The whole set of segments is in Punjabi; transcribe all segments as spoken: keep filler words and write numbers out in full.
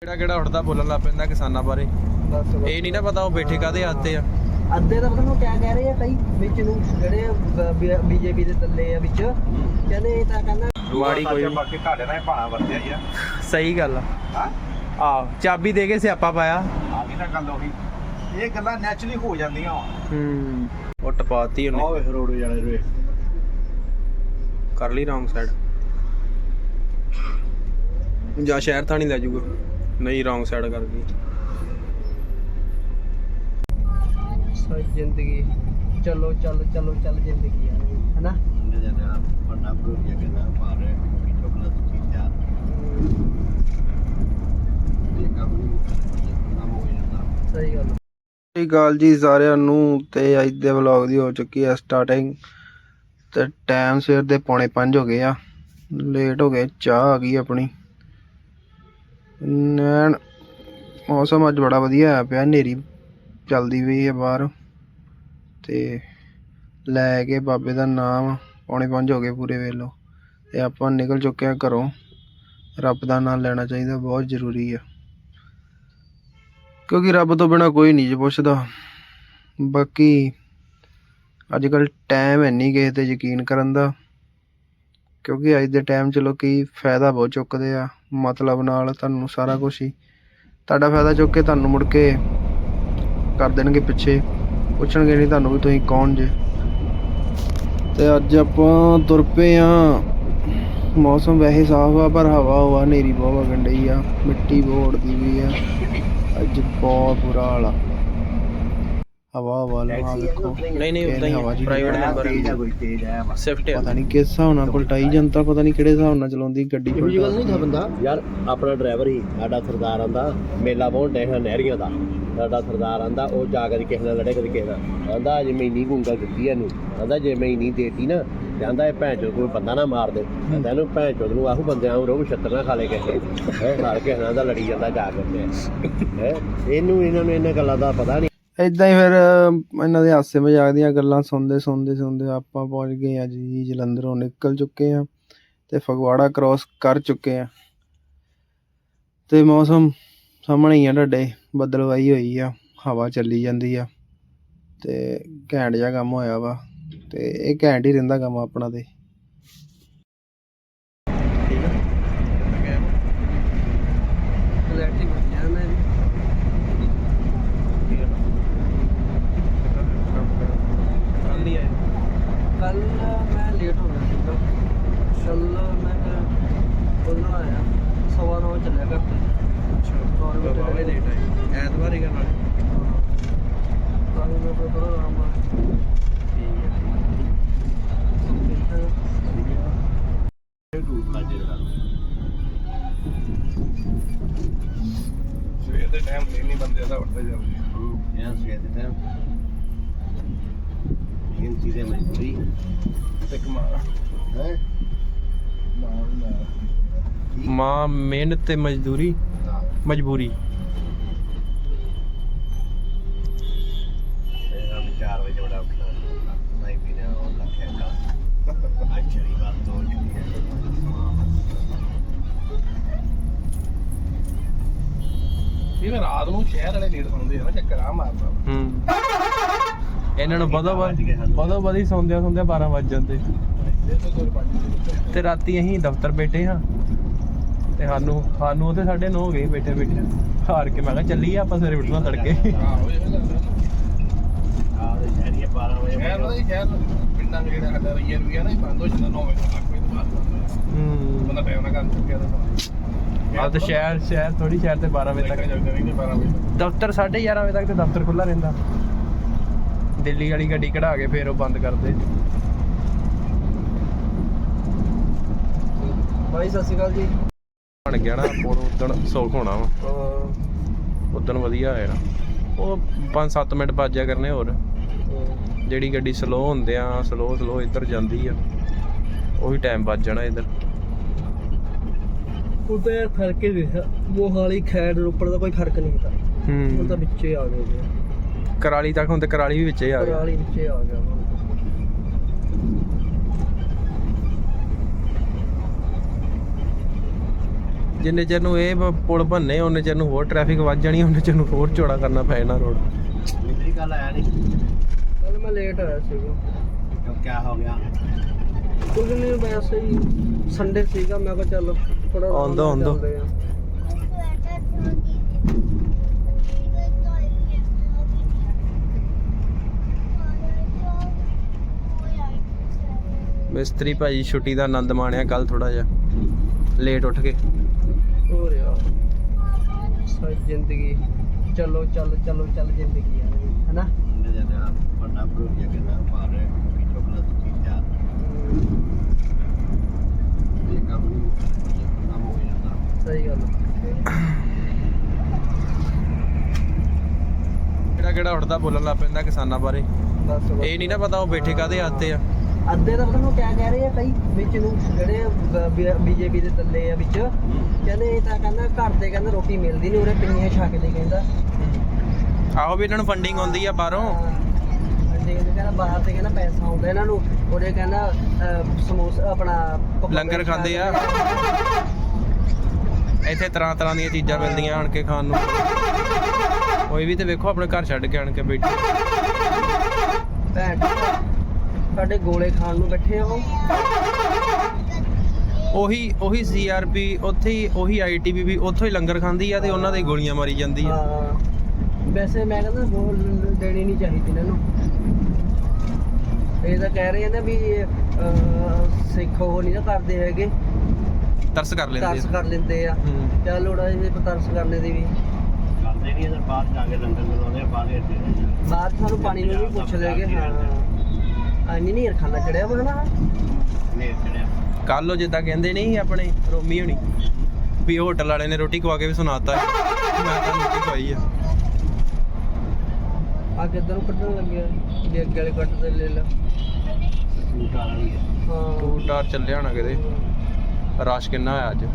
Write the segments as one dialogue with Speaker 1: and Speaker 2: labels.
Speaker 1: ਕਿਹੜਾ ਕਿਹੜਾ ਉੱਠਦਾ ਬੋਲਣ ਲੱਗ ਪੈਂਦਾ ਕਿਸਾਨਾਂ ਬਾਰੇ। ਇਹ ਨਹੀਂ ਨਾ ਪਤਾ ਉਹ ਬੈਠੇ ਕਾਹਦੇ ਆਤੇ ਆ।
Speaker 2: ਅੱਧੇ ਤਾਂ ਪਤਾ ਨੂੰ ਕਿਆ ਕਹਿ ਰਹੇ ਆ ਕਈ ਵਿੱਚ ਨੂੰ ਜਿਹੜੇ ਬੀਜੇਪੀ ਦੇ ਥੱਲੇ ਆ ਵਿੱਚ ਕਹਿੰਦੇ ਇਹ ਤਾਂ ਕਹਿੰਦਾ
Speaker 1: ਮਾੜੀ ਕੋਈ
Speaker 3: ਬਾਕੀ ਤੁਹਾਡੇ ਨਾਲ ਭਾਣਾ ਵਰਤਿਆ ਹੀ ਆ।
Speaker 1: ਸਹੀ ਗੱਲ ਆ।
Speaker 3: ਹਾਂ
Speaker 1: ਆਹ ਚਾਬੀ ਦੇ ਕੇ ਸਿਆਪਾ ਪਾਇਆ।
Speaker 3: ਆ ਗਈ ਨਾ ਗੱਲ ਉਹੀ, ਇਹ ਗੱਲਾਂ ਨੈਚੁਰਲੀ ਹੋ ਜਾਂਦੀਆਂ।
Speaker 1: ਹੂੰ ਉਹ ਟਪਾਤੀ ਉਹਨੇ।
Speaker 3: ਆਹ ਰੋਡ ਜਾਣੇ ਰੇ
Speaker 1: ਕਰ ਲਈ ਰੌਂਗ ਸਾਈਡ ਜਾਂ ਸ਼ਹਿਰ ਤਾਂ ਨਹੀਂ ਲੈ ਜਾਊਗਾ। ਨਹੀਂ ਰੌਂਗ ਸਾਈਡ ਕਰ ਗਈ।
Speaker 2: ਸਾਰੀ ਜ਼ਿੰਦਗੀ ਚਲੋ ਚੱਲ ਚਲੋ ਚੱਲ ਜ਼ਿੰਦਗੀ ਆ ਹੈਨਾ।
Speaker 3: ਵੱਡਾ ਪ੍ਰੋਜੈਕਟ ਕਿੰਨਾ ਮਾਰ ਰਿਹਾ ਕਿ ਚੋਕਲਾ ਦੀ ਚੀਜ਼ ਆ ਇਹ ਕੰਮ ਕੰਮ ਹੋ ਜਾਂਦਾ।
Speaker 2: ਸਹੀ ਗੱਲ।
Speaker 1: ਸਤਿ ਸ਼੍ਰੀ ਅਕਾਲ ਜੀ ਸਾਰਿਆਂ ਨੂੰ। ਤੇ ਅੱਜ ਦੇ ਵਲੌਗ ਦੀ ਹੋ ਚੁੱਕੀ ਹੈ ਸਟਾਰਟਿੰਗ। ਤੇ ਟਾਈਮ ਸਵੇਰ ਦੇ ਪੌਣੇ ਪੰਜ ਹੋ ਗਏ ਆ। ਲੇਟ ਹੋ ਗਏ। ਚਾਹ ਆ ਗਈ ਆਪਣੀ। ਨੈਣ ਮੌਸਮ ਅੱਜ ਬੜਾ ਵਧੀਆ ਹੋਇਆ ਪਿਆ। ਹਨੇਰੀ ਚੱਲਦੀ ਪਈ ਹੈ ਬਾਹਰ। ਤੇ ਲੈ ਕੇ ਬਾਬੇ ਦਾ ਨਾਮ ਪੌਣੇ ਪੰਜ ਹੋ ਗਏ ਪੂਰੇ ਵੇਲੋ। ਤੇ ਆਪਾਂ ਨਿਕਲ ਚੁੱਕੇ ਹਾਂ ਘਰੋਂ। ਰੱਬ ਦਾ ਨਾਮ ਲੈਣਾ ਚਾਹੀਦਾ, ਬਹੁਤ ਜ਼ਰੂਰੀ ਆ। ਕਿਉਂਕਿ ਰੱਬ ਤੋਂ ਬਿਨਾਂ ਕੋਈ ਨਹੀਂ ਜੀ ਪੁੱਛਦਾ। ਬਾਕੀ ਅੱਜ ਕੱਲ੍ਹ ਟਾਈਮ ਹੈ ਨਹੀਂ ਕਿਸੇ 'ਤੇ ਯਕੀਨ ਕਰਨ ਦਾ। ਕਿਉਂਕਿ ਅੱਜ ਦੇ ਟਾਈਮ 'ਚ ਲੋਕ ਫਾਇਦਾ ਬਹੁਤ ਚੁੱਕਦੇ ਆ ਮਤਲਬ ਨਾਲ। ਤੁਹਾਨੂੰ ਸਾਰਾ ਕੁਛ ਹੀ ਤੁਹਾਡਾ ਫਾਇਦਾ ਚੁੱਕ ਕੇ ਤੁਹਾਨੂੰ ਮੁੜ ਕੇ ਕਰ ਦੇਣਗੇ ਪਿੱਛੇ। ਪੁੱਛਣਗੇ ਨਹੀਂ ਤੁਹਾਨੂੰ ਵੀ ਤੁਸੀਂ ਕੌਣ ਜੇ। ਤੇ ਅੱਜ ਆਪਾਂ ਤੁਰ ਪਏ ਹਾਂ। ਮੌਸਮ ਵੈਸੇ ਸਾਫ਼ ਆ ਪਰ ਹਵਾ ਹਵਾ ਹਨੇਰੀ ਬਹੁਤ ਵਗਣ ਡਈ ਆ। ਮਿੱਟੀ ਬਹੁਤ ਉੱਡਦੀ ਪਈ ਆ ਅੱਜ। ਬਹੁਤ ਬੁਰਾ ਹਾਲ ਆ। ਹਵਾ ਹਵਾ ਲਵਾ ਵੇਖੋ। ਨਹੀਂ ਨਹੀਂ ਉਦਾਂ ਹੀ ਪ੍ਰਾਈਵੇਟ ਨੰਬਰ ਹੈ
Speaker 3: ਕੋਈ ਤੇਜ਼ ਹੈ
Speaker 1: ਸਿਫਟ ਪਤਾ ਨਹੀਂ ਕਿਸ ਹਿਸਾਬ ਨਾਲ ਪਲਟਾਈ ਜਨਤਾ। ਪਤਾ ਨਹੀਂ ਕਿਹੜੇ ਹਿਸਾਬ ਨਾਲ ਚਲਾਉਂਦੀ ਗੱਡੀ।
Speaker 2: ਇਹ ਗੱਲ ਨਹੀਂ ਥਾ ਬੰਦਾ
Speaker 3: ਯਾਰ ਆਪਣਾ ਡਰਾਈਵਰ ਹੀ ਸਾਡਾ ਸਰਦਾਰ ਆਂਦਾ ਮੇਲਾ ਬਹੁਤ ਡਿਆ ਨਹਿਰੀਆਂ ਦਾ। ਸਾਡਾ ਸਰਦਾਰ ਆਂਦਾ ਉਹ ਜਾ ਕਦੀ ਕਿਸੇ ਨਾਲ ਲੜੇ ਕਦੀ ਕਿਸੇ ਨਾਲ। ਆਂਦਾ ਜੇ ਮੈਂ ਇੰਨੀ ਗੁੰਗਾ ਦਿੱਤੀ ਇਹਨੂੰ। ਆਂਦਾ ਜੇ ਮੈਂ ਇੰਨੀ ਦੇਤੀ ਨਾ ਤੇ ਆਂਦਾ ਇਹ ਭੈਣ ਚੋਦ ਕੋਈ ਬੰਦਾ ਨਾ ਮਾਰ ਦੇ। ਕਹਿੰਦਾ ਇਹਨੂੰ ਭੈਣ ਚੋਦ ਨੂੰ ਆਹੂ ਬੰਦਿਆਂ ਨੂੰ ਰੋਹ ਛੱਤਰ ਨਾ ਖਾ ਲੇ ਕਿਸੇ ਹੈ। ਨਾਲ ਕਿਸੇ ਨਾਲ ਦਾ ਲੜੀ ਜਾਂਦਾ ਜਾ ਕੇ ਹੈ। ਇਹਨੂੰ ਇਹਨਾਂ ਨੂੰ ਇਹਨਾਂ ਗੱਲਾਂ ਦਾ ਪਤਾ ਨਹੀਂ।
Speaker 1: ਏਦਾਂ ਹੀ ਫਿਰ ਇਹਨਾਂ ਦੇ ਹਾਸੇ ਮਜ਼ਾਕ ਦੀਆਂ ਗੱਲਾਂ ਸੁਣਦੇ ਸੁਣਦੇ ਸੁਣਦੇ ਆਪਾਂ ਪਹੁੰਚ ਗਏ ਹਾਂ ਜੀ ਜਲੰਧਰੋਂ। ਨਿਕਲ ਚੁੱਕੇ ਹਾਂ ਤੇ ਫਗਵਾੜਾ ਕ੍ਰੋਸ ਕਰ ਚੁੱਕੇ ਹਾਂ। ਤੇ ਮੌਸਮ ਸਾਹਮਣੇ ਹੀ ਆ ਤੁਹਾਡੇ। ਬੱਦਲਵਾਈ ਹੋਈ ਆ, ਹਵਾ ਚੱਲੀ ਜਾਂਦੀ ਆ ਤੇ ਘੈਂਟ ਜਿਹਾ ਕੰਮ ਹੋਇਆ ਵਾ। ਤੇ ਇਹ ਘੈਂਟ ਹੀ ਰਹਿੰਦਾ ਕੰਮ ਆਪਣਾ। ਤੇ
Speaker 2: ਕਲੈਰਿਟੀ ਬਣ ਗਿਆ ਮੈਂ ਕੱਲ ਮੈਂ ਲੇਟ ਹੋ ਗਿਆ ਸੀਗਾ। ਚੱਲ ਮੈਂ ਬੋਲਣਾ ਆਇਆ ਸਵਾ ਨੌ ਚੱਲਿਆ ਘਰ ਤੇ।
Speaker 1: ਬਾਬਾ ਲੇਟ ਆਏ ਐਤਵਾਰ ਹੀ ਕਰਨਾ।
Speaker 2: ਤਾਂ ਮੈਂ ਥੋੜਾ ਆਰਾਮ ਨਾਲ
Speaker 3: ਸਵੇਰ ਦੇ ਟਾਈਮ ਤੇ ਨਹੀਂ ਬੰਦੇ ਦਾ ਉੱਠਦੇ ਜਾਂਦੇ। ਹਾਂ ਸਵੇਰ ਦੇ ਟਾਈਮ ਮਿਹਨਤੀ ਦੇ ਮਜ਼ਦੂਰੀ ਤੇ ਕਮਾ ਹੈ
Speaker 1: ਮਾਂ ਮਿਹਨਤ ਤੇ ਮਜ਼ਦੂਰੀ ਮਜਬੂਰੀ।
Speaker 3: ਚਾਰ ਵਜੇ ਬੜਾ ਉੱਠਣਾ ਨਹੀਂ ਪੀਣਾ ਉਹ ਲੱਖਿਆ ਦਾ ਅੱਜ ਚਲੀ ਬਾਤ ਤੋਂ ਜਿਹੜੀ ਹੈ। ਇਹ ਰਾਤ ਨੂੰ ਸ਼ਹਿਰ ਵਾਲੇ ਲੇਟ ਸੌਂਦੇ ਆ ਨਾ ਚੱਕਰ ਆ ਮਾਰਦਾ।
Speaker 1: ਹੂੰ ਇਹਨਾਂ ਨੂੰ ਬਦੋ ਬਦੋ ਬਦੀ ਸੌਂਦਿਆਂ ਸੌਂਦਿਆਂ ਬਾਰਾਂ ਵੱਜ ਜਾਂਦੇ। ਤੇ ਰਾਤੀ ਅਸੀਂ ਦਫ਼ਤਰ ਬੈਠੇ ਹਾਂ ਤੇ ਸਾਨੂੰ ਸਾਨੂੰ ਉਹਦੇ ਸਾਢੇ ਨੌ ਹੋ ਗਏ ਬੈਠੇ ਬੈਠੇ ਹਾਰ ਕੇ। ਮੈਂ ਕਿਹਾ ਚੱਲੀਏ ਆਪਾਂ ਸਵੇਰੇ ਉੱਠਣਾ ਤੜਕੇ।
Speaker 3: ਬਾਰਾਂ ਵਜੇ ਪਿੰਡਾਂ ਦੇ ਜਿਹੜਾ ਸਾਡਾ ਰਈਆ ਰੁਈਆ ਨਾ ਬੰਦ ਹੋ ਜਾਂਦਾ ਨੌ ਵਜੇ ਤੱਕ। ਕੋਈ ਬਾਤ
Speaker 1: ਹੂੰ
Speaker 3: ਬੰਦਾ ਟਾਈਮ ਨਾਲ ਕਰ ਚੁੱਕਿਆ ਤਾਂ
Speaker 1: ਆ ਤਾਂ ਸ਼ਹਿਰ ਸ਼ਹਿਰ ਥੋੜੀ ਸ਼ਹਿਰ ਤੇ ਬਾਰਾਂ ਵਜੇ ਤੱਕ
Speaker 3: ਜਾਂਦੇ ਰਹਿੰਦੇ। ਬਾਰਾਂ ਵਜੇ ਤੱਕ
Speaker 1: ਦਫ਼ਤਰ ਸਾਢੇ ਗਿਆਰਾਂ ਵਜੇ ਤੱਕ ਤੇ ਦਫ਼ਤਰ ਖੁੱਲ੍ਹਾ ਰਹਿੰਦਾ। ਦਿੱਲੀ ਵਾਲੀ ਗੱਡੀ ਕਢਾ ਕੇ ਫਿਰ ਉਹ ਬੰਦ ਕਰਦੇ।
Speaker 2: ਭਾਈ ਸਤਿ ਸ਼੍ਰੀ ਅਕਾਲ ਜੀ।
Speaker 1: ਬਣ ਗਿਆ ਨਾ ਹੁਣ ਉਦਣ ਸੌਖ ਹੋਣਾ ਵਾ। ਉਦਣ ਵਧੀਆ ਹੋਇਆ ਨਾ। ਉਹ ਪੰਜ ਸੱਤ ਮਿੰਟ ਬਾਜਿਆ ਕਰਨੇ ਹੋਰ। ਜਿਹੜੀ ਗੱਡੀ ਸਲੋ ਹੁੰਦੇ ਆ ਸਲੋ ਸਲੋ ਇੱਧਰ ਜਾਂਦੀ ਆ ਉਹੀ ਟਾਈਮ ਵੱਜ ਜਾਣਾ ਇੱਧਰ।
Speaker 2: ਉਹ ਤਾਂ ਯਾਰ ਫਰਕ ਹੀ ਦੇਖਿਆ। ਮੋਹਾਲੀ ਖੈੜ ਰੋਪੜ ਦਾ ਕੋਈ ਫਰਕ ਨਹੀਂ ਤਾਂ। ਹੁਣ ਤਾਂ ਵਿੱਚੇ ਆ ਗਏ ਜੀ।
Speaker 1: ਕਰਾਲੀ ਤੱਕ ਹੁਣ ਤੇ ਕਰਾਲੀ ਵੀ ਵਿੱਚੇ ਆ ਗਿਆ।
Speaker 2: ਕਰਾਲੀ ਵਿੱਚੇ ਆ ਗਿਆ।
Speaker 1: ਜਿੰਨੇ ਚਿਰ ਨੂੰ ਇਹ ਬ- ਪੁਲ ਬੰਨੇ ਉਹਨੇ ਚਿਰ ਨੂੰ ਹੋਰ ਟ੍ਰੈਫਿਕ ਵੱਧ ਜਾਣੀ, ਉਹਨੇ ਚਿਰ ਨੂੰ ਹੋਰ ਚੌੜਾ ਕਰਨਾ ਪੈ ਜਾਣਾ ਰੋਡ।
Speaker 3: ਮੇਰੀ ਗੱਲ ਆਇਆ ਨਹੀਂ
Speaker 2: ਕੱਲ ਮੈਂ ਲੇਟ ਆਇਆ ਸੀਗਾ।
Speaker 3: ਕਿਉਂ ਕੀ ਹੋ ਗਿਆ?
Speaker 2: ਕੁਝ ਨਹੀਂ, ਵੈਸੇ ਹੀ ਸੰਡੇ ਸੀਗਾ, ਮੈਂ ਕਿਹਾ ਚੱਲ ਥੋੜਾ
Speaker 1: ਆਉਂਦਾ ਆਉਂਦਾ ਮਿਸਤਰੀ ਭਾਜੀ ਛੁੱਟੀ ਦਾ ਆਨੰਦ ਮਾਣਿਆ ਕੱਲ ਥੋੜਾ ਜਿਹਾ ਲੇਟ ਉੱਠ ਕੇ।
Speaker 2: ਹੋ ਰਿਹਾ ਸਾਰੀ ਜ਼ਿੰਦਗੀ ਚਲੋ ਚੱਲ ਚਲੋ ਚੱਲ ਜ਼ਿੰਦਗੀ ਹੈ ਹਨਾ।
Speaker 3: ਉਹਨੇ ਜਿਹੜਾ ਵੱਡਾ ਪ੍ਰੋਜੈਕਟ ਕਿੰਨਾ ਮਾਰ ਰਿਹਾ ਕਿ ਚੋਕਲੇਟ ਦੀ ਚੀਜ਼ਾਂ ਇਹ ਕੰਮ ਨਹੀਂ ਕੰਮ ਹੋ ਜਾਂਦਾ।
Speaker 2: ਸਹੀ ਗੱਲ
Speaker 1: ਕਿਹੜਾ ਕਿਹੜਾ ਉੱਠਦਾ ਬੋਲਣ ਲੱਗ ਪੈਂਦਾ ਕਿਸਾਨਾਂ ਬਾਰੇ।
Speaker 2: ਬਸ
Speaker 1: ਇਹ ਨਹੀਂ ਨਾ ਪਤਾ ਉਹ ਬੈਠੇ ਕਾਹਦੇ ਆਤੇ ਆ।
Speaker 2: ਅੱਧੇ ਤਾਂ ਪਤਾ ਨੂੰ ਕਿਆ ਕਹਿ ਰਹੇ ਆ ਕਈ ਵਿੱਚ ਨੂੰ ਜਿਹੜੇ ਬੀਜੇਪੀ ਦੇ ਥੱਲੇ ਆ ਵਿੱਚ, ਕਹਿੰਦੇ ਇਹ ਤਾਂ ਕਹਿੰਦਾ ਘਰ ਦੇ ਕਹਿੰਦਾ ਰੋਟੀ ਮਿਲਦੀ ਨਹੀਂ, ਉਹਨੇ ਪਿੰਨੀਆਂ ਛਕ ਲਈ ਕਹਿੰਦਾ।
Speaker 1: ਆਹੋ ਵੀ ਇਹਨਾਂ ਨੂੰ ਫੰਡਿੰਗ ਆਉਂਦੀ ਆ ਬਾਹਰੋਂ।
Speaker 2: ਅੰਡੇ ਕਹਿੰਦਾ ਬਾਹਰ ਤੇ ਕਹਿੰਦਾ ਪੈਸਾ ਆਉਂਦਾ ਇਹਨਾਂ ਨੂੰ, ਉਹਦੇ ਕਹਿੰਦਾ ਅਹ, ਸਮੋਸਾ ਆਪਣਾ ਪਕੌੜੇ
Speaker 1: ਲੰਗਰ ਖਾਂਦੇ ਆ। ਇੱਥੇ ਤਰ੍ਹਾਂ ਤਰ੍ਹਾਂ ਦੀਆਂ ਚੀਜ਼ਾਂ ਮਿਲਦੀਆਂ ਆਣ ਕੇ ਖਾਣ ਨੂੰ। ਕੋਈ ਵੀ ਤੇ ਵੇਖੋ ਆਪਣੇ ਘਰ ਛੱਡ ਕੇ ਆਣ ਕੇ ਬੈਠੇ।
Speaker 2: ਭੈਣ ਸਾਡੇ ਗੋਲੇ ਖਾਣ ਨੂੰ ਬੈਠੇ ਆ ਉਹ।
Speaker 1: ਉਹੀ ਉਹੀ ਸੀਆਰਪੀ ਉੱਥੇ ਹੀ, ਉਹੀ ਆਈਟੀਬੀਪੀ ਉੱਥੋਂ ਹੀ ਲੰਗਰ ਖਾਂਦੀ ਆ ਤੇ ਉਹਨਾਂ ਦੇ ਗੋਲੀਆਂ ਮਾਰੀ ਜਾਂਦੀ ਆ।
Speaker 2: ਹਾਂ ਵੈਸੇ ਮੈਂ ਕਹਿੰਦਾ ਗੋਲ ਦੇਣੀ ਨਹੀਂ ਚਾਹੀਦੀ ਇਹਨਾਂ ਨੂੰ। ਇਹ ਤਾਂ ਕਹਿ ਰਹੇ ਆ ਨਾ ਵੀ ਅਹ, ਸਿੱਖ ਉਹ ਨਹੀਂ ਨਾ ਕਰਦੇ ਹੈਗੇ,
Speaker 1: ਤਰਸ ਕਰ ਲੈਂਦੇ
Speaker 2: ਤਰਸ
Speaker 1: ਆ।
Speaker 2: ਕਰ ਲੈਂਦੇ ਆ।
Speaker 1: ਹੂੰ।
Speaker 2: ਚੱਲ ਲੋੜਾ ਇਹ ਤਰਸ ਕਰਨੇ ਦੀ ਵੀ
Speaker 3: ਕਰਦੇ ਨਹੀਂ ਇਧਰ ਬਾਹਰ ਜਾ ਕੇ ਲੰਗਰ ਬਣਾਉਂਦੇ ਆ ਬਾਹਰ ਇੱਥੇ
Speaker 2: ਬਾਅਦ 'ਚ ਸਾਨੂੰ ਪਾਣੀ ਨੂੰ ਵੀ ਪੁੱਛ ਲੈਗੇ। ਹਾਂ ਆਨੀ ਨਹੀਂ ਖਾਣਾ ਚੜਿਆ ਵਾ ਨਾ
Speaker 3: ਨੇ ਚੜਿਆ
Speaker 1: ਕੱਲ ਉਹ ਜਿੱਦਾਂ ਕਹਿੰਦੇ ਨਹੀਂ ਆਪਣੇ ਰੋਮੀ ਹੋਣੀ ਵੀ ਹੋਟਲ ਵਾਲੇ ਨੇ ਰੋਟੀ ਖਵਾ ਕੇ ਵੀ ਸੁਣਾਤਾ ਮੈਂ ਤਾਂ ਰੋਟੀ ਖਵਾਈ ਆ।
Speaker 2: ਆ ਕਿੱਧਰ ਨੂੰ ਕੱਢਣ ਲੱਗਿਆ ਵੀ ਅੱਗੇ ਵਾਲੇ ਕੱਟ ਤੇ ਲੈ ਲਾ।
Speaker 3: ਸੂਟ ਆ ਰਹੀ ਹੈ
Speaker 2: ਹਾਂ
Speaker 1: ਟੂ ਟਾਰ ਚੱਲਿਆ ਹੋਣਾ ਕਿਤੇ। ਰਸ਼ ਕਿੰਨਾ ਹੋਇਆ ਅੱਜ।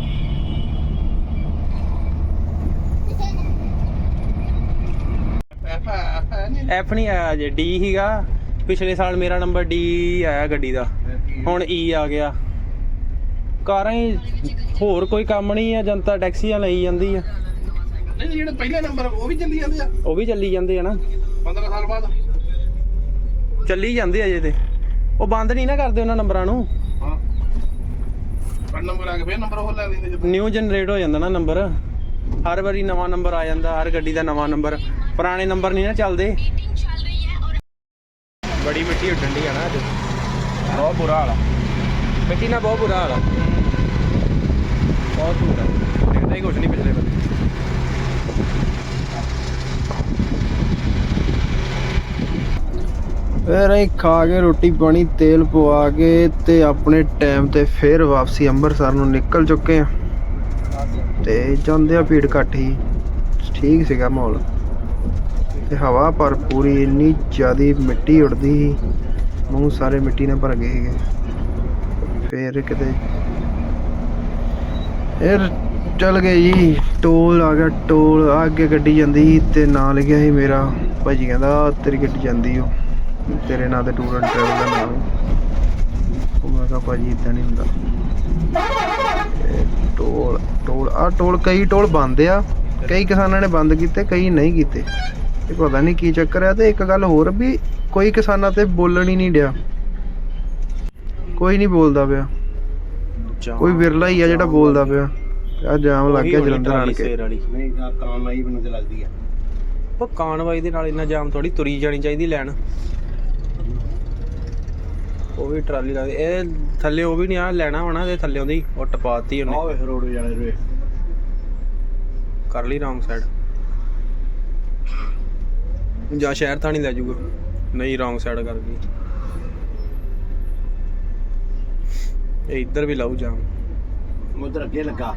Speaker 1: ਐਫ ਨਹੀਂ ਆਇਆ ਜੇ ਡੀ ਹੀਗਾ। ਪਿਛਲੇ ਸਾਲ ਮੇਰਾ ਨੰਬਰ ਡੀ ਆਇਆ ਗੱਡੀ ਦਾ, ਹੁਣ ਈ ਆ ਗਿਆ। ਕਾਰਾਂ ਹੀ ਹੋਰ ਕੋਈ ਕੰਮ ਨਹੀਂ ਆ, ਜਨਤਾ ਟੈਕਸੀਆਂ ਲਈ ਜਾਂਦੀ ਆ।
Speaker 4: ਨਹੀਂ ਜਿਹੜੇ ਪਹਿਲੇ ਨੰਬਰ ਉਹ ਵੀ ਚੱਲੀ ਜਾਂਦੇ ਆ
Speaker 1: ਉਹ ਵੀ ਚੱਲੀ ਜਾਂਦੇ ਆ ਨਾ,
Speaker 4: ਪੰਦਰਾਂ ਸਾਲ ਬਾਅਦ।
Speaker 1: ਚੱਲੀ ਜਾਂਦੇ ਆ ਜੇ ਤੇ ਉਹ ਬੰਦ ਨਹੀਂ ਨਾ ਕਰਦੇ ਉਹਨਾਂ ਨੰਬਰਾਂ ਨੂੰ।
Speaker 4: ਹਾਂ ਪਰ ਨੰਬਰ ਆ ਕੇ ਫੇਰ ਨੰਬਰ ਉਹ ਲੈ ਲੈਂਦੇ ਜਦੋਂ
Speaker 1: ਨਿਊ ਜਨਰੇਟ ਹੋ ਜਾਂਦਾ ਨਾ ਨੰਬਰ। ਹਰ ਵਾਰੀ ਨਵਾਂ ਨੰਬਰ ਆ ਜਾਂਦਾ, ਹਰ ਗੱਡੀ ਦਾ ਨਵਾਂ ਨੰਬਰ। ਪੁਰਾਣੇ ਨੰਬਰ ਨਹੀਂ ਨਾ ਚੱਲਦੇ। ਬੜੀ ਮਿੱਟੀ ਉੱਡਣ ਦੀ ਆ ਨਾ ਅੱਜ, ਬਹੁਤ ਬੁਰਾ ਹਾਲ ਆ ਮਿੱਟੀ ਨਾਲ, ਬਹੁਤ ਬੁਰਾ ਹਾਲ ਆ। ਬਹੁਤ ਬੁਰਾ ਦਿਖਦਾ ਹੀ ਕੁਛ ਨਹੀਂ ਪਿਛਲੇ ਬੰਦੇ। ਫਿਰ ਅਸੀਂ ਖਾ ਕੇ ਰੋਟੀ ਪਾਣੀ ਤੇਲ ਪਵਾ ਕੇ ਤੇ ਆਪਣੇ ਟਾਈਮ ਤੇ ਫਿਰ ਵਾਪਸੀ ਅੰਮ੍ਰਿਤਸਰ ਨੂੰ ਨਿਕਲ ਚੁੱਕੇ ਆ। ਤੇ ਜਾਂਦੇ ਆ ਭੀੜ ਘੱਟ ਹੀ, ਠੀਕ ਸੀਗਾ ਮਾਹੌਲ ਤੇ ਹਵਾ ਪਰ ਪੂਰੀ ਇੰਨੀ ਜ਼ਿਆਦੀ ਮਿੱਟੀ ਉੱਡਦੀ ਸੀ, ਮੂੰਹ ਸਾਰੇ ਮਿੱਟੀ ਨਾਲ ਭਰ ਗਏ ਸੀਗੇ। ਫਿਰ ਕਿਤੇ ਫਿਰ ਚੱਲ ਗਏ ਜੀ, ਟੋਲ ਆ ਗਿਆ। ਟੋਲ ਆ ਅੱਗੇ ਗੱਡੀ ਜਾਂਦੀ ਸੀ ਤੇ ਨਾਂ ਲਿਖਿਆ ਸੀ ਮੇਰਾ। ਭਾਜੀ ਕਹਿੰਦਾ ਤੇਰੀ ਗੱਡੀ ਜਾਂਦੀ ਓ, ਤੇਰੇ ਨਾਂ ਤੇ ਟੂਰ ਐਂਡ ਟਰੈਵਲ ਦਾ ਨਾਮ। ਉਹ ਮੈਂ ਕਿਹਾ ਭਾਜੀ ਇੱਦਾਂ ਨਹੀਂ ਹੁੰਦਾ। ਟੋਲ ਟੋਲ ਆ ਟੋਲ ਕਈ ਟੋਲ ਬੰਦ ਆ, ਕਈ ਕਿਸਾਨਾਂ ਨੇ ਬੰਦ ਕੀਤੇ, ਕਈ ਨਹੀਂ ਕੀਤੇ। ਇਹ ਪਤਾ ਨਹੀਂ ਕੀ ਚੱਕਰ ਆ। ਤੇ ਇੱਕ ਗੱਲ ਹੋਰ ਵੀ ਕੋਈ ਕਿਸਾਨਾਂ ਤੇ ਬੋਲਣ ਹੀ ਨਹੀਂ ਡਿਆ, ਕੋਈ ਨਹੀਂ ਬੋਲਦਾ ਪਿਆ। ਕੋਈ ਵਿਰਲਾ ਹੀ ਆ ਜਿਹੜਾ ਬੋਲਦਾ ਪਿਆ। ਆ ਜਾਮ ਲੱਗ ਗਿਆ ਜਲੰਧਰ ਆਣ ਕੇ।
Speaker 3: ਨਹੀਂ ਆ ਕੰਮ ਆਈ ਮੈਨੂੰ ਤੇ ਲੱਗਦੀ ਆ
Speaker 1: ਪਰ ਕਾਨਵਾਈ ਦੇ ਨਾਲ ਇੰਨਾ ਜਾਮ ਥੋੜੀ ਤੁਰੀ ਜਾਣੀ ਚਾਹੀਦੀ ਲੈਣ। ਉਹ ਵੀ ਟਰਾਲੀ ਲੱਗਦੀ ਇਹ ਥੱਲੇ, ਉਹ ਵੀ ਨਹੀਂ ਆ ਲੈਣਾ ਹੋਣਾ ਤੇ ਥੱਲੇ ਉਹਦੀ ਉਹ ਟਪਾਤੀ ਉਹਨੇ।
Speaker 3: ਆਹ ਵੇ ਰੋਡ ਜਾਣੇ ਰੇ
Speaker 1: ਕਰ ਲਈ ਰੌਂਗ ਸਾਈਡ, ਜਾਂ ਸ਼ਹਿਰ ਥਾਣੀ ਲੈ ਜਾਊਗਾ। ਨਹੀਂ ਰੌਂਗ ਸਾਈਡ ਕਰ ਗਈ। ਇਹ ਇੱਧਰ ਵੀ ਲਾਊ ਜਾਮ।
Speaker 3: ਉਧਰ ਅੱਗੇ ਲੱਗਾ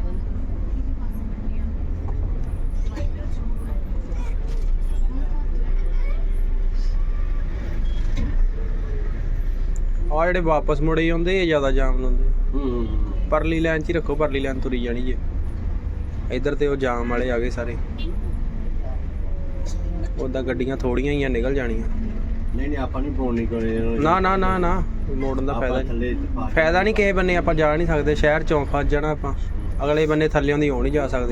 Speaker 1: ਆ ਜਿਹੜੇ ਵਾਪਸ ਮੁੜੇ ਆਉਂਦੇ ਇਹ ਜ਼ਿਆਦਾ ਜਾਮ ਲਾਉਂਦੇ।
Speaker 3: ਹੂੰ
Speaker 1: ਪਰਲੀ ਲਾਈਨ 'ਚ ਹੀ ਰੱਖੋ, ਪਰਲੀ ਲਾਈਨ ਤੁਰੀ ਜਾਣੀ ਜੇ। ਇੱਧਰ ਤੇ ਉਹ ਜਾਮ ਵਾਲੇ ਆ ਗਏ ਸਾਰੇ। ਉਦਾਂ ਗੱਡੀਆਂ ਥੋੜੀਆਂ ਹੀ ਆ, ਨਿਕਲ ਜਾਣੀਆਂ।
Speaker 3: ਨਹੀਂ ਨਹੀਂ ਆਪਾਂ ਨਹੀਂ ਫੋਨ ਨਹੀਂ ਕਰੇ
Speaker 1: ਨਾ ਨਾ ਨਾ ਨਾ ਮੋੜਨ ਦਾ ਫਾਇਦਾ ਨਹੀਂ।
Speaker 3: ਥੱਲੇ
Speaker 1: ਫਾਇਦਾ ਨਹੀਂ ਕਿਸੇ ਬੰਨੇ, ਆਪਾਂ ਜਾ ਨਹੀਂ ਸਕਦੇ। ਸ਼ਹਿਰ ਚੋਂ ਫਸ ਜਾਣਾ ਆਪਾਂ। ਅਗਲੇ ਬੰਨੇ ਥੱਲਿਓਂ ਦੀ ਹੋ ਨਹੀਂ ਜਾ ਸਕਦੇ।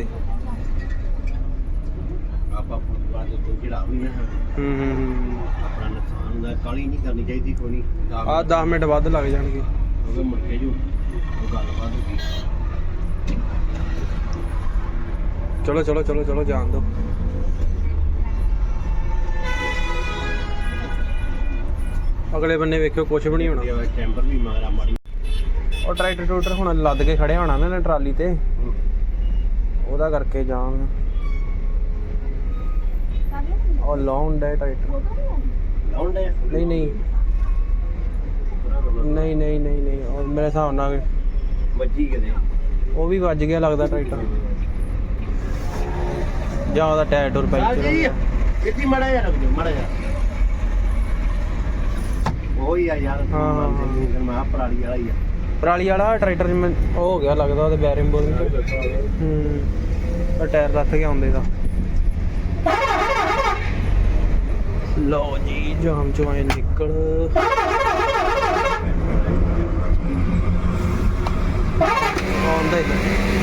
Speaker 3: ਆਪਾਂ ਫੁੱਟਬਾਲ ਦੇ ਤੋਂ ਜਿਹੜਾ ਵੀ ਨਾ
Speaker 1: ਹੂੰ ਹੂੰ ਹੂੰ
Speaker 3: ਆਪਣਾ ਨੁਕਸਾਨ ਹੁੰਦਾ, ਕਾਹਲੀ ਨਹੀਂ ਕਰਨੀ ਚਾਹੀਦੀ ਕੋਈ ਨਹੀਂ।
Speaker 1: ਆਹ ਦਸ ਮਿੰਟ ਵੱਧ ਲੱਗ ਜਾਣਗੇ
Speaker 3: ਉਹਦੇ ਮੁੜ ਕੇ ਜੋ ਉਹ ਗੱਲਬਾਤ ਹੋ ਗਈ।
Speaker 1: ਚਲੋ ਚਲੋ ਚਲੋ ਚਲੋ ਜਾਣ ਦਿਓ। ਅਗਲੇ ਬੰਨੇ ਵੇਖਿਓ ਕੁਝ ਵੀ ਨਹੀਂ ਹੋਣਾ।
Speaker 3: ਟੈਂਪਰ ਵੀ ਮਗਰਾ ਮਾੜੀ।
Speaker 1: ਉਹ ਟਰੈਕਟਰ ਟਰੂਟਰ ਹੁਣ ਲੱਦ ਕੇ ਖੜੇ ਹੋਣਾ ਨਾ ਟਰਾਲੀ ਤੇ, ਉਹਦਾ ਕਰਕੇ ਜਾਮ। ਉਹ ਲਾਉਣ ਦਾ ਟਰੈਕਟਰ
Speaker 3: ਲਾਉਣ ਦੇ
Speaker 1: ਨਹੀਂ ਨਹੀਂ ਨਹੀਂ ਨਹੀਂ ਨਹੀਂ ਨਹੀਂ ਉਹ ਮੇਰੇ ਹਿਸਾਬ ਨਾਲ
Speaker 3: ਵੱਜੀ ਕਿਤੇ
Speaker 1: ਉਹ ਵੀ ਵੱਜ ਗਿਆ ਲੱਗਦਾ ਟਰੈਕਟਰ, ਜਾਂ ਉਹਦਾ ਟਾਇਰ ਟੁਰ ਪੈਂਚਰ।
Speaker 3: ਕਿੱਥੇ ਮੜਾ ਜਾ ਰੱਖ ਦਿਓ ਮੜਾ ਜਾ। ਉਹੀ ਆ ਯਾਰ।
Speaker 1: ਹਾਂ, ਹਾਂ, ਹਾਂ।
Speaker 3: ਮੈਂ ਪਰਾਲੀ ਵਾਲਾ ਹੀ ਆ।
Speaker 1: ਪਰਾਲੀ ਵਾਲਾ ਟਰੈਕਟਰ ਜਿਵੇਂ ਉਹ ਹੋ ਗਿਆ ਲੱਗਦਾ ਉਹਦੇ ਬੈਰਿੰਗ ਬੋਰਿੰਗ ਹੂੰ ਉਹ ਟਾਇਰ ਲੱਥ ਗਿਆ ਹੁੰਦੇ ਦਾ। ਲਓ ਜੀ ਜਾਮ ਚੋਂ ਆਏ ਨਿਕਲ। ਆਉਂਦਾ ਹੀ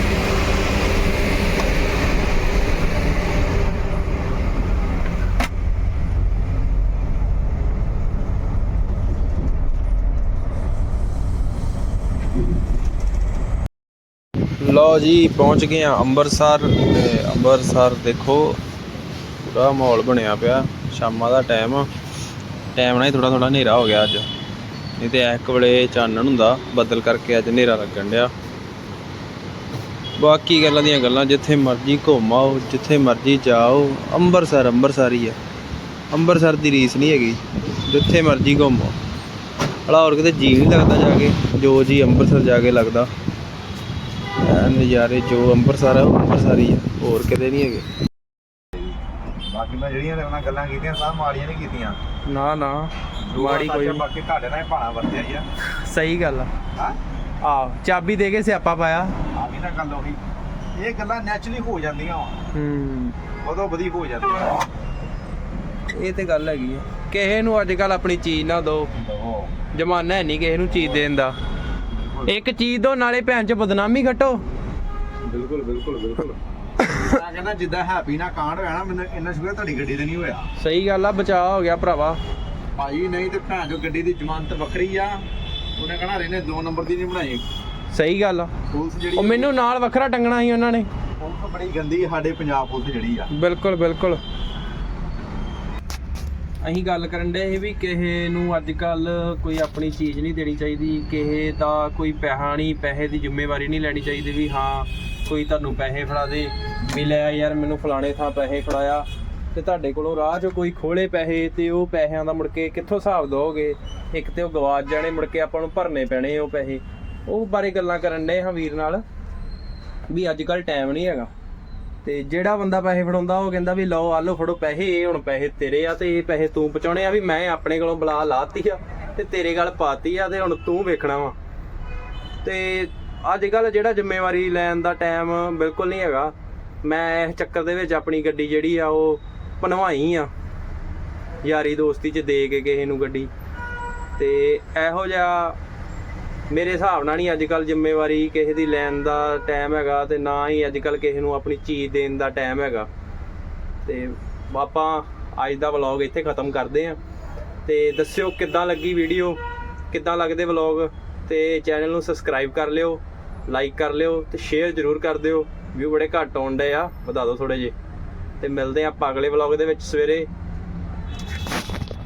Speaker 1: ਲਓ ਜੀ ਪਹੁੰਚ ਗਏ ਆ ਅੰਮ੍ਰਿਤਸਰ। ਤੇ ਅੰਮ੍ਰਿਤਸਰ ਦੇਖੋ ਪੂਰਾ ਮਾਹੌਲ ਬਣਿਆ ਪਿਆ। ਸ਼ਾਮਾਂ ਦਾ ਟਾਈਮ ਟਾਈਮ ਨਾਲ ਹੀ ਥੋੜਾ ਥੋੜਾ ਹਨੇਰਾ ਹੋ ਗਿਆ ਅੱਜ, ਨਹੀਂ ਤੇ ਇੱਕ ਵੇਲੇ ਚਾਨਣ ਹੁੰਦਾ। ਬੱਦਲ ਕਰਕੇ ਅੱਜ ਹਨੇਰਾ ਲੱਗਣ ਡਿਆ। ਬਾਕੀ ਗੱਲਾਂ ਦੀਆਂ ਗੱਲਾਂ, ਜਿੱਥੇ ਮਰਜ਼ੀ ਘੁੰਮ ਆਓ, ਜਿੱਥੇ ਮਰਜ਼ੀ ਜਾਓ, ਅੰਮ੍ਰਿਤਸਰ ਅੰਮ੍ਰਿਤਸਰ ਹੀ ਆ। ਅੰਮ੍ਰਿਤਸਰ ਦੀ ਰੀਸ ਨਹੀਂ ਹੈਗੀ, ਜਿੱਥੇ ਮਰਜ਼ੀ ਘੁੰਮੋ। ਭਲਾ ਹੋਰ ਕਿਤੇ ਜੀ ਨਹੀਂ ਲੱਗਦਾ ਜਾ ਕੇ, ਜੋ ਜੀ ਅੰਮ੍ਰਿਤਸਰ ਜਾ ਕੇ ਲੱਗਦਾ। ਨਜ਼ਾਰੇ ਜੋ ਅੰਮ੍ਰਿਤਸਰ ਆ ਉਹ ਅੰਮ੍ਰਿਤਸਰ ਹੀ ਆ, ਹੋਰ ਕਿਤੇ ਨਹੀਂ ਹੈਗੇ।
Speaker 5: ਬਾਕੀ ਮੈਂ ਜਿਹੜੀਆਂ ਉਹਨਾਂ ਗੱਲਾਂ ਕੀਤੀਆਂ ਸਭ ਮਾੜੀਆਂ ਨਹੀਂ ਕੀਤੀਆਂ।
Speaker 1: ਨਾ ਨਾ ਮਾੜੀ ਕੋਈ ਨੀ।
Speaker 5: ਬਾਕੀ ਤੁਹਾਡੇ ਨਾਲ ਹੀ ਭਾਣਾ ਵਰਤਿਆ ਹੀ ਆ।
Speaker 1: ਸਹੀ ਗੱਲ ਆ।
Speaker 5: ਹਾਂ
Speaker 1: ਆਹ ਚਾਬੀ ਦੇ ਕੇ ਸਿਆਪਾ ਪਾਇਆ।
Speaker 5: ਆ ਵੀ ਨਾ ਗੱਲ ਉਹੀ, ਇਹ ਗੱਲਾਂ ਨੈਚੁਰਲੀ ਹੋ ਜਾਂਦੀਆਂ ਵਾ,
Speaker 1: ਹੂੰ
Speaker 5: ਉਦੋਂ ਵਧੀਆ ਹੋ ਜਾਂਦੀਆਂ।
Speaker 1: ਇਹ ਤੇ ਗੱਲ ਹੈਗੀ ਆ। ਕਿਸੇ ਨੂੰ ਅੱਜ ਕੱਲ ਆਪਣੀ ਚੀਜ਼ ਨਾ ਦਿਓ, ਜ਼ਮਾਨਾ ਹੈ ਨਹੀਂ ਕਿਸੇ ਨੂੰ ਚੀਜ਼ ਦੇਣ ਦਾ। ਇੱਕ ਚੀਜ਼ ਦੋ ਨਾਲੇ ਭੈਣ ਚ ਬਦਨਾਮੀ ਘਟੋ।
Speaker 5: ਬਿਲਕੁਲ ਬਿਲਕੁਲ ਬਿਲਕੁਲ। ਮੈਂ ਕਹਿੰਦਾ ਜਿੱਦਾਂ ਹੈਪੀ ਨਾਲ ਕਾਂਡ ਹੋਇਆ ਨਾ, ਮੈਨੂੰ ਇੰਨਾ ਸ਼ੁਕਰ ਤੁਹਾਡੀ ਗੱਡੀ ਤੇ ਨਹੀਂ ਹੋਇਆ
Speaker 1: ਸਹੀ ਗੱਲ ਆ, ਬਚਾਅ ਹੋ ਗਿਆ ਭਰਾਵਾ।
Speaker 5: ਭਾਈ, ਨਹੀਂ ਤੇ ਭੈਣ ਜੋ ਗੱਡੀ ਦੀ ਜ਼ਮਾਨਤ ਵੱਖਰੀ ਆ। ਉਹਨੇ ਕਹਣਾ ਰਹਿਨੇ ਦੋ ਨੰਬਰ ਦੀ ਨਹੀਂ ਬਣਾਈ
Speaker 1: ਸਹੀ ਗੱਲ ਆ।
Speaker 5: ਪੁਲਿਸ ਜਿਹੜੀ
Speaker 1: ਉਹ ਮੈਨੂੰ ਨਾਲ ਵੱਖਰਾ ਟੰਗਣਾ ਸੀ ਉਹਨਾਂ ਨੇ।
Speaker 5: ਪੁਲਿਸ ਬੜੀ ਗੰਦੀ ਸਾਡੇ ਪੰਜਾਬ ਪੁਲਿਸ ਜਿਹੜੀ ਆ।
Speaker 1: ਬਿਲਕੁਲ ਬਿਲਕੁਲ। ਅਸੀਂ ਗੱਲ ਕਰਨ ਦੇ ਸੀ ਵੀ ਕਿਸੇ ਨੂੰ ਅੱਜ ਕੱਲ ਕੋਈ ਆਪਣੀ ਚੀਜ਼ ਨਹੀਂ ਦੇਣੀ ਚਾਹੀਦੀ, ਕਿਸੇ ਦਾ ਕੋਈ ਪੈਸਾ ਨਹੀਂ, ਪੈਸੇ ਦੀ ਜ਼ਿੰਮੇਵਾਰੀ ਨਹੀਂ ਲੈਣੀ ਚਾਹੀਦੀ ਵੀ ਹਾਂ ਕੋਈ ਤੁਹਾਨੂੰ ਪੈਸੇ ਫੜਾ ਦੇ ਵੀ ਲੈ ਯਾਰ ਮੈਨੂੰ ਫਲਾਣੇ ਥਾਂ ਪੈਸੇ ਫੜਾਇਆ, ਤੇ ਤੁਹਾਡੇ ਕੋਲੋਂ ਰਾਹ 'ਚ ਕੋਈ ਖੋਲੇ ਪੈਸੇ ਤੇ ਉਹ ਪੈਸਿਆਂ ਦਾ ਮੁੜ ਕੇ ਕਿੱਥੋਂ ਹਿਸਾਬ ਦੋਗੇ। ਇੱਕ ਤੇ ਉਹ ਗਵਾਚ ਜਾਣੇ, ਮੁੜ ਕੇ ਆਪਾਂ ਨੂੰ ਭਰਨੇ ਪੈਣੇ ਉਹ ਪੈਸੇ। ਉਹ ਬਾਰੇ ਗੱਲਾਂ ਕਰਨ ਦੇ ਹਾਂ ਵੀਰ ਨਾਲ ਵੀ ਅੱਜ ਕੱਲ ਟਾਈਮ ਨਹੀਂ ਹੈਗਾ। ਤੇ ਜਿਹੜਾ ਬੰਦਾ ਪੈਸੇ ਫੜਾਉਂਦਾ ਉਹ ਕਹਿੰਦਾ ਵੀ ਲਓ ਆ ਲਓ ਫੜੋ ਪੈਸੇ, ਇਹ ਹੁਣ ਪੈਸੇ ਤੇਰੇ ਆ ਤੇ ਇਹ ਪੈਸੇ ਤੂੰ ਪਹੁੰਚਾਉਣੇ ਆ, ਵੀ ਮੈਂ ਆਪਣੇ ਕੋਲੋਂ ਬਲਾ ਲਾਤੀ ਆ ਤੇ ਤੇਰੇ ਗੱਲ ਪਾਤੀ ਆ ਤੇ ਹੁਣ ਤੂੰ ਵੇਖਣਾ ਵਾ। ਤੇ ਅੱਜ ਕੱਲ ਜਿਹੜਾ ਜ਼ਿੰਮੇਵਾਰੀ ਲੈਣ ਦਾ ਟਾਈਮ ਬਿਲਕੁਲ ਨਹੀਂ ਹੈਗਾ। ਮੈਂ ਇਸ ਚੱਕਰ ਦੇ ਵਿੱਚ ਆਪਣੀ ਗੱਡੀ ਜਿਹੜੀ ਆ ਉਹ ਭਨਵਾਈ ਆ, ਯਾਰੀ ਦੋਸਤੀ 'ਚ ਦੇ ਕੇ ਕਿਸੇ ਨੂੰ ਗੱਡੀ। ਤੇ ਇਹੋ ਜਿਹਾ ਮੇਰੇ ਹਿਸਾਬ ਨਾਲ ਨਹੀਂ ਅੱਜ ਕੱਲ ਜ਼ਿੰਮੇਵਾਰੀ ਕਿਸੇ ਦੀ ਲੈਣ ਦਾ ਟਾਈਮ ਹੈਗਾ, ਤੇ ਨਾ ਹੀ ਅੱਜ ਕੱਲ ਕਿਸੇ ਨੂੰ ਆਪਣੀ ਚੀਜ਼ ਦੇਣ ਦਾ ਟਾਈਮ ਹੈਗਾ। ਤੇ ਆਪਾਂ ਅੱਜ ਦਾ ਵਲੌਗ ਇੱਥੇ ਖਤਮ ਕਰਦੇ ਹਾਂ। ਤੇ ਦੱਸਿਓ ਕਿੱਦਾਂ ਲੱਗੀ ਵੀਡੀਓ, ਕਿੱਦਾਂ ਲੱਗਦੇ ਵਲੌਗ, ਤੇ ਚੈਨਲ ਨੂੰ ਸਬਸਕ੍ਰਾਈਬ ਕਰ ਲਿਓ, ਲਾਈਕ ਕਰ ਲਿਓ ਤੇ ਸ਼ੇਅਰ ਜ਼ਰੂਰ ਕਰ ਦਿਓ। ਵਿਊ ਬੜੇ ਘੱਟ ਆਉਣ ਡੇ ਆ, ਵਧਾ ਦਿਓ ਥੋੜੇ ਜਿਹੇ। ਤੇ ਮਿਲਦੇ ਹਾਂ ਆਪਾਂ ਅਗਲੇ ਵਲੌਗ ਦੇ ਵਿੱਚ ਸਵੇਰੇ।